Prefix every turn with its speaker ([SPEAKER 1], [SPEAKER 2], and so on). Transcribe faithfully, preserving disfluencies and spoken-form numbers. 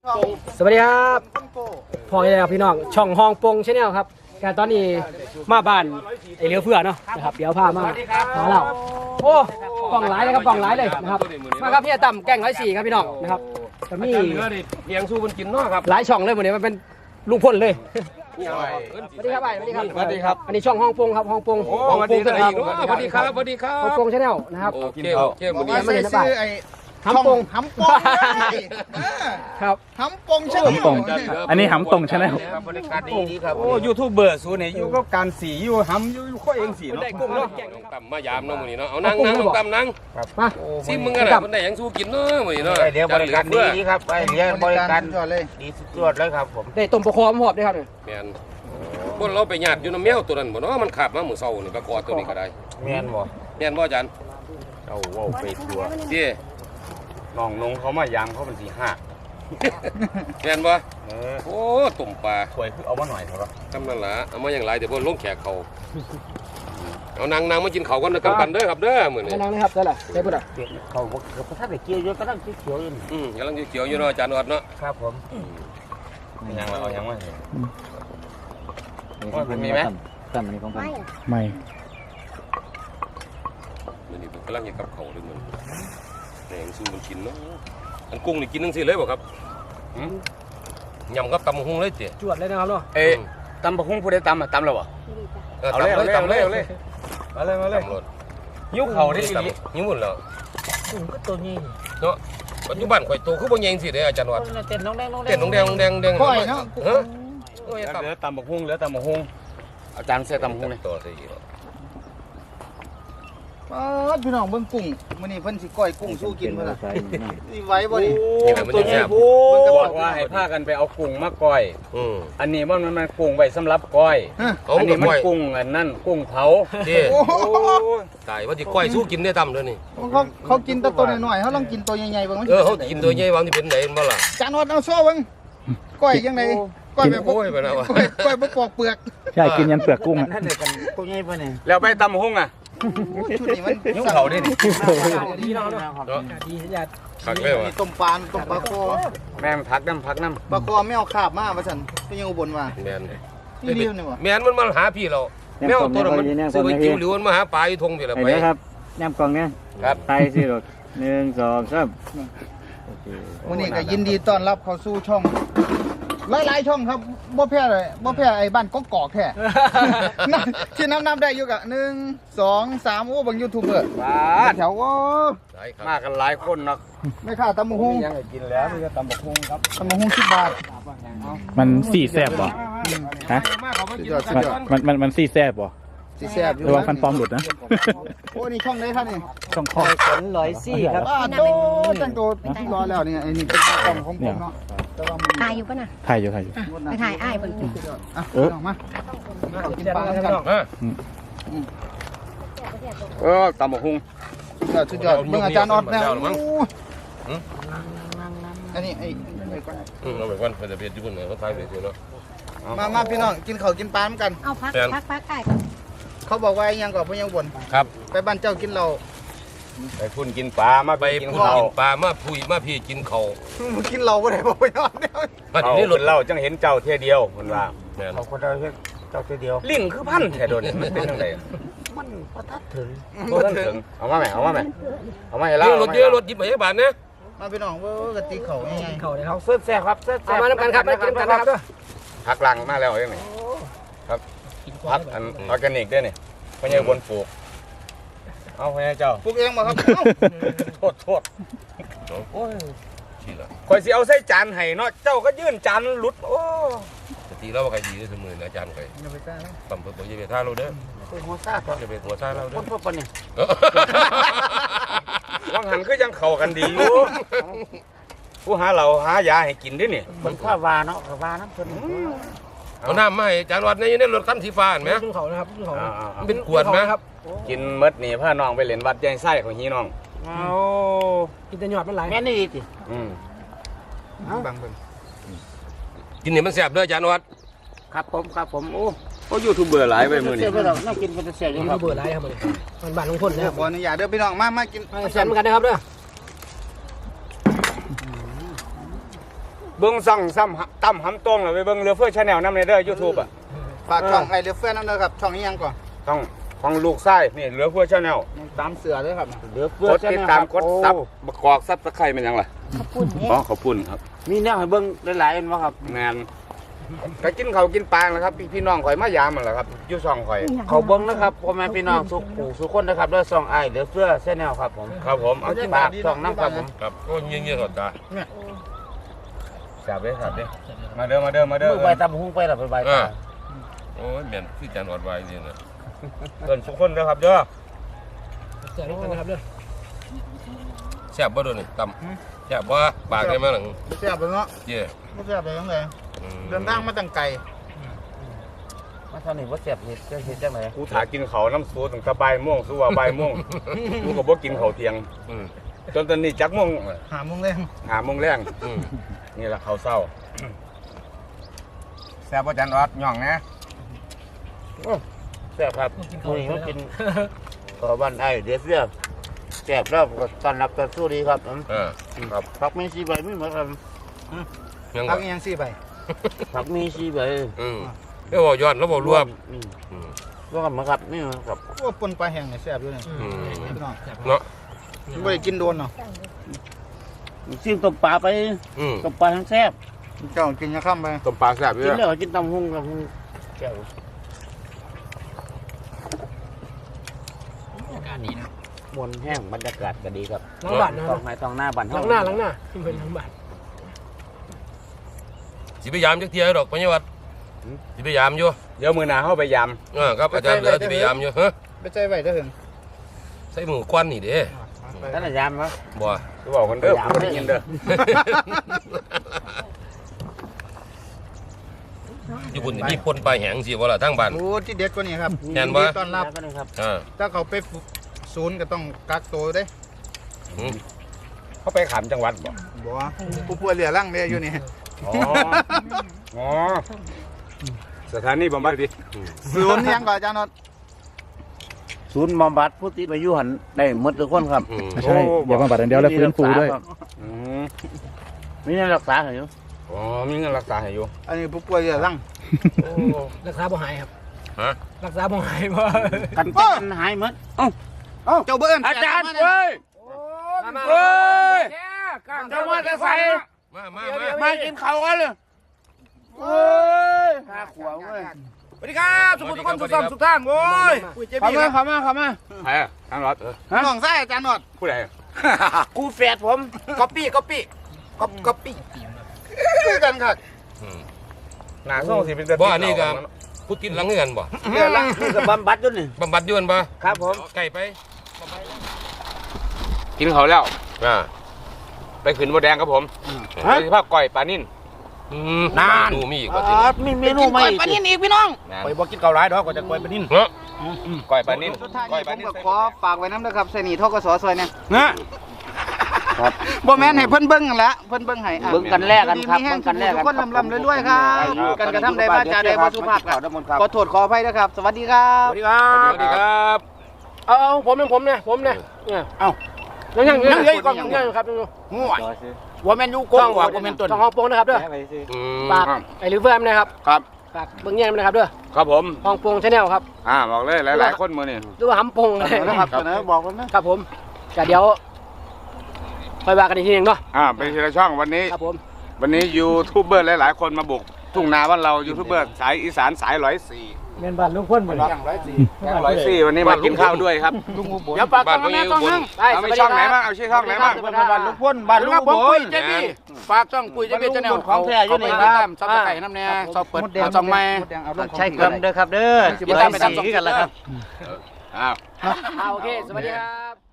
[SPEAKER 1] สวัสดีครับพ่อใหญ่ครับพี่น้องช่องห้องปงชาแนลครับการตอนนี้มาบ้านไอเลี้ยวเพื่อเนาะนะครับเดี๋ยวพามาหาเราโอ้กล่องหลายเลยครับกล่องหลายเลยนะครับมาครับพี่ต่ำแกงร้อยสี่ครับพี่น้องนะครับจะมี
[SPEAKER 2] เลี้ยงสู้มันกินเนาะครับ
[SPEAKER 1] หลายช่องเลยวันนี้มันเป็นลุงพลเลยสวัสดีครับสวัสดีครับสวัสดีครับอันนี้ช่องห้องปงครับห้องปง
[SPEAKER 2] สวัสดีครับสวัสดีครับสวัสดีครับ
[SPEAKER 1] ห้องปงชาแนลนะครับ
[SPEAKER 2] โอเคโอเควันนี้
[SPEAKER 1] ไม่เห็นบ้านหำปง
[SPEAKER 3] หำปง
[SPEAKER 1] ครับ
[SPEAKER 3] หำปงใช่ไหม
[SPEAKER 4] หำปงอันนี้หำปงใช่ไหม
[SPEAKER 2] บริการดีดีครับ
[SPEAKER 4] โอ้ยูทูบเบอร์สูนี่อยู่กับการสีอยู่หำอยู่ข้อเองสีเนาะ
[SPEAKER 1] ได้กุ้งเนาะ
[SPEAKER 2] ต่ำมายามเนาะมื้อนี้เนาะเอานั่งนั่งต่ำนั่ง
[SPEAKER 1] มา
[SPEAKER 2] ซิมึงกันน่ะมันได้หยังสู้กินเนาะมื้อนี้เนาะ
[SPEAKER 5] เดี๋ยวบริการดีดีครับไปเดี๋ยวบริการ
[SPEAKER 3] ยอดเลย
[SPEAKER 5] ดีสุดยอดเลยครับผม
[SPEAKER 1] ได้ต้มปลาคอมหอบด้วยครับเนี่ย
[SPEAKER 2] แม่นพวกเราไปญาติอยู่น้ำแมวตัวนั้นบ่เนาะมันขาบมามื้อเช้านี่ปลากอตัวนี้ก็ได้
[SPEAKER 5] แม่นบ่
[SPEAKER 2] แม่นบ่อาจารย์
[SPEAKER 5] เอาว้าวไปทัวร์
[SPEAKER 2] เจ้
[SPEAKER 5] น้องนงเขามายามเขาเป็นสีห้า
[SPEAKER 2] แม่นบ่
[SPEAKER 5] เออ
[SPEAKER 2] โอ้ตุ่มปลา
[SPEAKER 5] ถวยคือเอามาหน่อยเถอะ
[SPEAKER 2] ทำนั่นล่ะเอามาอย่างไรเดี๋ยวพวกลงแขกเขาเอานางนางมากินเขากันนะกันเด้อครับเด้อมื้อนี้
[SPEAKER 1] นั่งนะครับได้แหละได้ปุ๊ดอ่ะ
[SPEAKER 5] เขาบอกเขาถ้าไปเกี่ยวเยอะก็ต้องเขียวอยู่
[SPEAKER 2] อืมกำลังเขียวๆอยู่เนาะอาจารย์อดเนาะ
[SPEAKER 5] ครับผมยังเอายังไม่มันมีไหม
[SPEAKER 4] ตั้มอันนี้ของตั้มไม่
[SPEAKER 2] มื้อนี้ผมกำลังจะกับเขาเลยมื้อแหงสู้มันกินเนาะอันกุ้งนี่กินจังซี่เลยบ่ครับยำกับตำหุงเลยเจ้
[SPEAKER 1] จวดเลยนะครับเนาะ
[SPEAKER 5] เอ๊ะตำบักหุ่งผู้ใดตำอ่ะตำแล้วบ่เอาเลยเอาเลยเอาเลยเอาเลยมาเลยมาเลยยิ้วเข่าได้ดี
[SPEAKER 2] ยิ้มหมดแล้ว
[SPEAKER 5] กุ้งก็ตัวนี้
[SPEAKER 2] เนาะปัจจุบันข่อยโตคือบ่ใหญ่จังซี่เด้อาจารย์วัด
[SPEAKER 5] เต้นน้องแดงน้องแดง
[SPEAKER 2] เต้นน้องแดงน้องแดงแดง
[SPEAKER 3] ค่อยเนาะ
[SPEAKER 2] ฮะโอ้ย
[SPEAKER 5] เหลือตำบักหุ่งเหลือตำบักหุ่งอาจารย์เสียตำบักหุ่งเลย
[SPEAKER 2] ต่อสิ
[SPEAKER 3] พี่น้องเบิ่งกุ้งมื้อนี้เพิ่นสิก้อยกุ้งสู้กินเพิ่นล่ะสิไหว้บ่ดิ
[SPEAKER 2] นี่แหละมันจะแซ่บ
[SPEAKER 5] บอกว่าให้พากันไปเอากุ้งมาก้อย
[SPEAKER 2] อืม
[SPEAKER 5] อันนี้มันมันกุ้งไว้สำหรับก้อย
[SPEAKER 2] เอา
[SPEAKER 5] อัน
[SPEAKER 2] กั
[SPEAKER 5] นี้
[SPEAKER 2] บ
[SPEAKER 5] มัน
[SPEAKER 2] ก้อย
[SPEAKER 5] กุ้งอันนั่นกุ้งเผา
[SPEAKER 2] เจ้
[SPEAKER 3] โอ้โห
[SPEAKER 2] ตายว่าสิก้อยสู้กินได้ตำเด้อนี่
[SPEAKER 3] เขาเขากินแต่ตัวน้อยๆเขาลองกินตัวใหญ่ๆเบิ่งมัน
[SPEAKER 2] เออเฮากินตัวใหญ่วางที่เป็นไหนบ่ล่ะ
[SPEAKER 3] จานอดเอาโซ่เบิ่งก้อยยังไงก้อยแบบ
[SPEAKER 2] โอ้ยไปแล้ว
[SPEAKER 3] ก้อยก้อยบ่ปอกเปลือก
[SPEAKER 4] ใช่กินยันเปลือกกุ้งอ่ะ
[SPEAKER 5] แล้วไปตำหุ่งอ่ะ
[SPEAKER 3] ชุดนี้มัน
[SPEAKER 5] ยุ่งเขาดิ
[SPEAKER 1] ดีเนาะเนาะดีสัญญา
[SPEAKER 2] คักเลยว่ะ
[SPEAKER 3] ต้มปลาต้มปลาคอ
[SPEAKER 5] แม่งพักน้ำพักน้
[SPEAKER 3] ปลาคอไม่เอาคาบมาว่าซั่นเพิ่นยังอุบลว่า
[SPEAKER 2] แม่น
[SPEAKER 3] นี่เดียวนี่ว่ะ
[SPEAKER 2] แม่นมันมาหาพี่เราแมวตัวนั้นมันซื้อไปจิ้วหรือมันมาหาปลาอยู่ทงพี่ละ
[SPEAKER 4] เห็น
[SPEAKER 2] ไป
[SPEAKER 4] ไหมครับแนมกล่องเนี้ย
[SPEAKER 2] ครับ
[SPEAKER 4] ไทยสิรถหนึ่งสองสาม
[SPEAKER 3] วันนี้ก็ยินดีต้อนรับเข้าสู่ช่องหลายๆช่องครับบ่แพ้เลยบ่แพ้ไอ้บ้านกอกๆแท้ นับที่นับนับได้อยู่กะหนึ่งสองสามโอ้บางยูทูบเบอร์
[SPEAKER 5] ำว้า
[SPEAKER 3] แถวโอ้
[SPEAKER 2] ได้ครับ
[SPEAKER 5] มากันหลายคนเนาะ
[SPEAKER 3] ไม่ค่าตำบักหุ่ง
[SPEAKER 5] ยังไงกินแล้วมีตำบักหุ่งครับ
[SPEAKER 3] ตำบักหุ่งสิบบาท
[SPEAKER 4] มันสี่แซบบ่ฮะ
[SPEAKER 3] สุดยอดสุด
[SPEAKER 4] มัน
[SPEAKER 3] ยอด
[SPEAKER 4] มันมันมันสี่แซบบ่
[SPEAKER 3] สิแซ่บอยู่
[SPEAKER 4] ระวังฟันปลอมหลุดนะ
[SPEAKER 3] โอ้นี่ช่องไหนครับนี่
[SPEAKER 4] ช่องคอ
[SPEAKER 1] ร้อยสี่ครับ
[SPEAKER 3] บ้าโตจังโตรอแล้วนี่ไอ้นี่เป็นกล้องของผมเนาะแต่ว่ามัน
[SPEAKER 6] ถ่ายอยู่ปะน่ะ
[SPEAKER 4] ถ่ายอยู่ถ่ายอยู่
[SPEAKER 6] ไปถ่ายอ้ายเพิ่นกิน
[SPEAKER 3] อ่ะ
[SPEAKER 4] เออ
[SPEAKER 3] ลองมาเอากินปลากัน
[SPEAKER 2] ฮะ
[SPEAKER 5] เออตำบักหุ่ง
[SPEAKER 3] สุดยอดสุดยอดเบิ่งอาจารย์ออดแล้วอันนี้ไอ้ไอ้ก้อน
[SPEAKER 2] อืมเอาไปก่อนเพิ่นจะเฮ็ดอยู่พุ่นเนาะเขาทายไปซื่อเนาะ
[SPEAKER 3] มามาพี่น้องกินข้าวกินปลาเหมือนกัน
[SPEAKER 6] เอาพัก
[SPEAKER 2] แฟน
[SPEAKER 6] พักพักอ้ายก่อน
[SPEAKER 3] เขาบอกว่ายังก่อนเพิ่นยังบ่น
[SPEAKER 2] ครับ
[SPEAKER 3] ไปบ้านเจ้ากินเรา
[SPEAKER 5] ไปพุ่นกินปลามา
[SPEAKER 2] ไป
[SPEAKER 5] ไปกิน
[SPEAKER 2] พูด
[SPEAKER 5] ข้าว
[SPEAKER 2] กินปลามาพุยมาพี่กินเขา
[SPEAKER 3] กินเราบ่ได้บ่ไปนอนเนี่ย
[SPEAKER 2] มา
[SPEAKER 5] เอา
[SPEAKER 2] ที่นี่ร
[SPEAKER 5] ค
[SPEAKER 2] ถ
[SPEAKER 5] นเล่าจังเห็นเจ้าเท่ยเดียวคนว่า
[SPEAKER 2] แม่น
[SPEAKER 5] เอาคนเราเจ้าเท่ยเดียวลิ่งคือพันแค่โดนมันเป็นยังไงมันประทัดถึงประทัดถึงเอามาไหมเอามาไหมเอามาให้เล่า
[SPEAKER 2] เยอะรถเยอะรถหยิบมาให้บาทนะ
[SPEAKER 3] มาพี่น้องเว้อกะติเขาง่าย
[SPEAKER 1] เขาเลยค
[SPEAKER 5] เอา
[SPEAKER 1] รับ
[SPEAKER 5] เสื้อแซ่ครับเสื้อ
[SPEAKER 1] เอามาน้ำกันครับมากินกันนะครับด้วย
[SPEAKER 5] พักหลังมาแล้วยังไงครับพักอันออร์แกนิกด้วยนี่พญาบนปลูกเอาพญาเจ้า
[SPEAKER 3] ๆปลูกเองบ่ครับเอ้า
[SPEAKER 5] โทษโทษ
[SPEAKER 2] โอ้ยชีละ
[SPEAKER 5] คอยสิเอาใส่จานให้เนาะเจ้าก็ยื่นจานหลุดโอ้
[SPEAKER 2] สติเราว่าใครดีที่สุดมือนะอาจารย์ใคร
[SPEAKER 3] อย่าไปซ่า
[SPEAKER 2] ต่ำเพิ่มจะเป็นท่าเราเด้อ
[SPEAKER 5] เป็นหัวซาด
[SPEAKER 2] จะเป็นหัวท่าเราเด้
[SPEAKER 5] ค
[SPEAKER 2] อน
[SPEAKER 5] พวกปนเนี่ยว่างหันคือยังเข้ากันดีอยู่ผู้หาเราหายาให้กินด้วยนี่
[SPEAKER 7] คนข้าวาเนาะข้าวาน้ำเพิ่น
[SPEAKER 2] เอาน้ำมาให้อาจารย์วัดในในรถคันสีฟ้าเห็นไหม
[SPEAKER 1] ขึ้นเขานะครับขึ้นเขา
[SPEAKER 2] มันเป็นขวดไหมครับ
[SPEAKER 5] กินมดนี่พาน้องไปเล่นวัดยายไส้ของฮีน้อง
[SPEAKER 7] เอา
[SPEAKER 1] กินแต่หยอดมันไหล
[SPEAKER 7] แม่นี่ดีติ
[SPEAKER 5] อืม
[SPEAKER 3] บังเบิ่ง
[SPEAKER 2] กินเนี่ยมันแสบเด้ออาจารย์วัด
[SPEAKER 7] ครับผมครับผมโอ้
[SPEAKER 5] โอ้ยูทูบเบอร์หลายไปมือ
[SPEAKER 7] เสี
[SPEAKER 5] นี่
[SPEAKER 7] ยไปแล้วน่ากินเป็นเสียอยู่
[SPEAKER 1] นี่
[SPEAKER 7] ครับ
[SPEAKER 1] เบื่อไรครับมันมันบ้านลุงพลนะครับ
[SPEAKER 3] ขออนุญาตเด้อพี่น้องมามากิน
[SPEAKER 1] แซมเหมือนกันนะครับเด้อ
[SPEAKER 5] เบิ้งซ่องซ้ำตั้มหำตรงเลยไปเบิ้งเรือเฟื่อชาแนลน้ำในเด้อยูทูบอ่ะ
[SPEAKER 3] ฝากช่องไอเรือเฟื่อนั่นนะครับช่องนี้ยังก่อน
[SPEAKER 5] ต้องของลูกไส้นี่เรือเฟื่อชาแนล
[SPEAKER 3] ตามเสือด้วยครับ
[SPEAKER 7] เหลือเฟือก
[SPEAKER 5] ดติดตามกดซับประกอบซับตะไคร้เป็นยังไง
[SPEAKER 6] ขอบคุณ
[SPEAKER 5] อ๋อ
[SPEAKER 6] เนี่ย
[SPEAKER 5] ขอบคุณครับ
[SPEAKER 7] มีแนวให้เบิ่งหลายๆอันบ่ครับ
[SPEAKER 5] แมนก็กินเขาวกินปลาแล้วครับพี่พี่น้องข่อยมายามมันแหละครับอยู่ช่องข่อย
[SPEAKER 7] เขาเบิ่งนะครับพ่อแม่พี่น้องทุกผู้ทุกคนนะครับด้วยซองไอเหลือเฟือแชนแนลครับผม
[SPEAKER 5] ครับผมเอากิน
[SPEAKER 7] ฝากช่องน้ำครับผม
[SPEAKER 2] ครับโอ้ยเงี้ยๆก่อนตา
[SPEAKER 5] แซ่บเลยครับเด้มาเด้อมาเด้อมาเด้อ
[SPEAKER 7] มือใบตำหุ้งไปแล้วไปใบ
[SPEAKER 2] อ่า
[SPEAKER 7] ตา
[SPEAKER 2] โอ้ยแม่นคือจานอดไว้นี่นะ
[SPEAKER 5] เพิ่นทุกคนเด้อครับเด้อ
[SPEAKER 1] เสียงกันนะครับเด้อ
[SPEAKER 2] แซ่บบ่โดนนี่ตำแซ่บบ่ปากได้มั้ยหลัง
[SPEAKER 3] ไม่แซ่บเลยเนาะ
[SPEAKER 2] เย่
[SPEAKER 3] ไม่แซ่บเลยยังไง
[SPEAKER 2] อืม
[SPEAKER 3] เดินทางมาตั้งไกล
[SPEAKER 7] มาเท่านี้ว่าเสียบเห็ดจะเห็ดจังไหน
[SPEAKER 5] กูถากินเขาวน้ำสูตั้งแต่บ่ายโมงสู้ว่าบ่ายโมงกูก็บ่กินข้าวเที่ยง
[SPEAKER 2] อืม
[SPEAKER 5] จนตอนนี้จักโมง
[SPEAKER 3] หาโมงเร่ง
[SPEAKER 5] หาโมงแรง
[SPEAKER 2] อืม
[SPEAKER 5] นี่แหละข้าวเช้าแซ่บบ่จันออดย่องนะ
[SPEAKER 7] แซ่บครับมื้อนี้มากินขอบ้านไอเหลือเฟือแซ่บแล้วก็ต้อนรับต้อนสู้ดีครับผม
[SPEAKER 2] อ่า
[SPEAKER 5] ครับ
[SPEAKER 7] ผักมีสีใบไม่เหมือนกัน
[SPEAKER 2] ยัง
[SPEAKER 3] พั
[SPEAKER 2] บ่
[SPEAKER 3] กอีกอยังสี่ใบ
[SPEAKER 7] ผักมีสีใบ
[SPEAKER 2] อืมแล้วบ่ย้อนแล้วบ่รวม
[SPEAKER 7] อืม
[SPEAKER 2] อืม
[SPEAKER 7] รวมมาครับนี่ครับ
[SPEAKER 3] โอ้ปนปลาแห้งเนี่ยแซ่บด้วยเนี่ย
[SPEAKER 2] อืม
[SPEAKER 3] พี่น้อง
[SPEAKER 2] เนาะ
[SPEAKER 3] ไม่ได้กินโดนเนาะ
[SPEAKER 7] ซิมต้มปลาไป
[SPEAKER 2] อืม
[SPEAKER 7] ต้มปลาทั้งแซ่บ
[SPEAKER 3] เจ้ากินยาข้ามไป
[SPEAKER 5] ต้มปลาแซ่บอยู่
[SPEAKER 7] กิน
[SPEAKER 5] เด้อ
[SPEAKER 7] แล้วก็กินตำหุ้งตำหุ้งแก้ว
[SPEAKER 1] อากาศดีนะ
[SPEAKER 7] มวนแห้งบรรยากาศก็ดีครับ
[SPEAKER 1] ล้างบ้านนะ
[SPEAKER 7] ต้องไม้ต้องหน้าบ้าน
[SPEAKER 1] ล้างหน้าล้างหน้าขึ้นไปล้างบ้าน
[SPEAKER 2] สิพยายามจักเที่ยดอกปัญญาวัฒน์สิพยายามอยู่
[SPEAKER 5] เดี๋ยวมื้อหน้าเฮาไปยาม
[SPEAKER 2] อ่าครับอาจารย์เหลือสิพยายามอยู่ฮะ
[SPEAKER 3] ไปใจไว้ได้ถึง
[SPEAKER 2] ใส่หมูควันนี่เด้
[SPEAKER 7] ท่านอาจารย์ครับ
[SPEAKER 2] บ่
[SPEAKER 5] กูบอกกันเด้อกูบ่ได้ยินเด้อ
[SPEAKER 2] ญี่ปุ่นนี่มีปนปลาแหงสิบ่ล่ะทางบ้าน
[SPEAKER 3] โอ้ที่เด็ดกว่านี้ครับ
[SPEAKER 2] แม่นบ่
[SPEAKER 3] ยิดีต้อนรับ
[SPEAKER 7] ก็ได้ครับ
[SPEAKER 2] อ่า
[SPEAKER 3] ถ้าเขาไปศูนย์ก็ต้องกักตัวเด้
[SPEAKER 2] อืม
[SPEAKER 5] เขาไปขามจังหวัดบ่
[SPEAKER 3] บอกว่าผู้ป่วยเหลือร่างเนี่ยอยู่นี่
[SPEAKER 5] อ๋ออ๋อสถานีบำบัดดิ
[SPEAKER 3] ศูนย์ยังก่อนอาจารย์นอด
[SPEAKER 7] ศูนย์บำบัดผู้ติดอายุหันได้หมดทุกคนครับ
[SPEAKER 2] อืม
[SPEAKER 8] ใช่อย่าบำบัดอย่างเดียวแล้วฟื้นฟูด้วย
[SPEAKER 5] อืม
[SPEAKER 7] มีเงินรักษาอยู่
[SPEAKER 5] อ๋อมีเงินรักษาให้อยู่
[SPEAKER 3] อันนี้ผู้ป่วยเหลือร่าง
[SPEAKER 1] รักษาบ่หายครับ
[SPEAKER 2] ฮะ
[SPEAKER 1] รักษาบ่หายบ่
[SPEAKER 7] กันกันหายหมด
[SPEAKER 3] เจ้าเบิ้ล
[SPEAKER 7] อาจารย์
[SPEAKER 3] เว้
[SPEAKER 7] เว้ย
[SPEAKER 1] มา
[SPEAKER 7] เว้ย
[SPEAKER 1] เจ้า
[SPEAKER 7] เจ้าว่าจะใส่
[SPEAKER 2] มามามา
[SPEAKER 7] มากินข้าวกันเลยเว้ยข้าขวาเว้ย
[SPEAKER 5] สวัสดีครับสมุทรทุกคนสุขสันต์สุขทางโว้ย
[SPEAKER 7] เข้ามาเข้ามาเข้ามา
[SPEAKER 5] ใครอ่ะทางรถ
[SPEAKER 3] น้องไส้อาจารย์นอด
[SPEAKER 5] ผู้ใด
[SPEAKER 7] กูแฝดผมก๊อปปี้ก๊อปปี้ก๊อปก๊อปปี้
[SPEAKER 3] คือกันค่ะ
[SPEAKER 2] อืม
[SPEAKER 5] หน้าส่งสิเป็นแต่
[SPEAKER 2] บ่อันนี้ก็พูดกินหลังคือกันบ่
[SPEAKER 7] เดี๋ยวละนี่ก็บำบัดด้วยนี่
[SPEAKER 2] บำบัดอยู่นั่นบ่
[SPEAKER 7] ครับผม
[SPEAKER 2] ใกล้ไป
[SPEAKER 5] กินเขาวแล้ว
[SPEAKER 2] อ่า
[SPEAKER 5] ไปขึ้นบัวแดงครับผมไปสิภาพก่อยปลานิ่น
[SPEAKER 2] อืม
[SPEAKER 7] นาน
[SPEAKER 2] ดูมีอีกว่าสิ
[SPEAKER 7] มีเมนูใหม่
[SPEAKER 3] ปลานิ่นอีกพี่น้อง
[SPEAKER 5] ไปบ่กินเกาหลายดอกก็จะก่อยปลานิ่น
[SPEAKER 2] เนาะ
[SPEAKER 5] ก่อยปลานิ่น
[SPEAKER 3] สุดท้าย
[SPEAKER 5] ก่อย
[SPEAKER 3] นี้
[SPEAKER 5] ป
[SPEAKER 3] ผ
[SPEAKER 5] ลาม นิ่น
[SPEAKER 3] ก็ขอฝากไว้น้ำนะครับใส่หนีทกสซอยเนี่ย
[SPEAKER 5] นะ
[SPEAKER 3] บ่แม่นให้เพิ่นเบิ่งนั่นแหละเพิ่นเบิ่งให้อ่ะ
[SPEAKER 7] เบิ่งกันแลกกันครับ
[SPEAKER 3] ดีมีแห้
[SPEAKER 7] เบิ่
[SPEAKER 3] ง
[SPEAKER 7] งกันแลก
[SPEAKER 3] ทุ
[SPEAKER 7] กั
[SPEAKER 3] กคนลำๆรวยๆครับ กันกระทำใดว่าจาใดบ่สุภาพครับขอโทษขออภัยนะครับ สวัสดีครับ
[SPEAKER 7] สวัสดีครับ
[SPEAKER 2] สวัสดีครับ
[SPEAKER 1] เอาเอาผมเนี่ยผมเนี่ยผมเนี่ยเนี่ย
[SPEAKER 7] เอ้า
[SPEAKER 1] ยังยัง
[SPEAKER 7] ยังเหลืออีกกล่อง
[SPEAKER 1] ยังยังครับยังอยู่
[SPEAKER 7] ง่วยว่าแมนยูโกงว่าแมนต้น
[SPEAKER 1] ช่องห้องโปงนะครับเด้อ
[SPEAKER 2] อืม
[SPEAKER 1] ฝากไอ้ลิเวอร์มนะครับ
[SPEAKER 5] ครับ
[SPEAKER 1] ฝากเบิ่งแย่งนะครับเด้อ
[SPEAKER 5] ครับผม
[SPEAKER 1] ห้องโปงชาแนลครับ
[SPEAKER 5] อ่าบอกเลยหลายๆคนมือนี่
[SPEAKER 1] หรือว่าหำโปงอะไร
[SPEAKER 3] นะครับเสนอบอกกันนะครับ
[SPEAKER 1] ผมก็เดี๋ยวค่อยว่ากันอีกทีหนึงเนาะ
[SPEAKER 5] อ่าเป็นทีละช่องวันนี้
[SPEAKER 1] ครับผม
[SPEAKER 5] วันนี้ยูทูบเบอร์หลายๆคนมาบุกทุ่งนาบ้านเรายูทูบเบอร์สายอีสานสายร้อยสี่
[SPEAKER 1] เงินบาทลูกพ่นหมด
[SPEAKER 3] อย่างร้อยสี่
[SPEAKER 5] ร้อยสี่วันนี้มากินข้าวด้วยครับ
[SPEAKER 7] เดี๋ยวปากต้องแม่ต้องนั่ง
[SPEAKER 5] เอามีช่องไหนบ้างเอาชื่อช่องไหนบ้าง
[SPEAKER 7] บ้านลุงพ่นบ้านลุงพ่นเจบี้ฝากช่องปุ๋ยเจบี้ชาแนลของแท้อยู่นี่ครับซับสไครต์น้ำแน่ซอบเปิดเอาช่องใหม่
[SPEAKER 3] ใช่ครับเด้อครับเด้อ
[SPEAKER 7] ติดตามไปทำสองกันแล้วครับ
[SPEAKER 5] อ้าว
[SPEAKER 1] อ่าโอเค สวัสดีครับ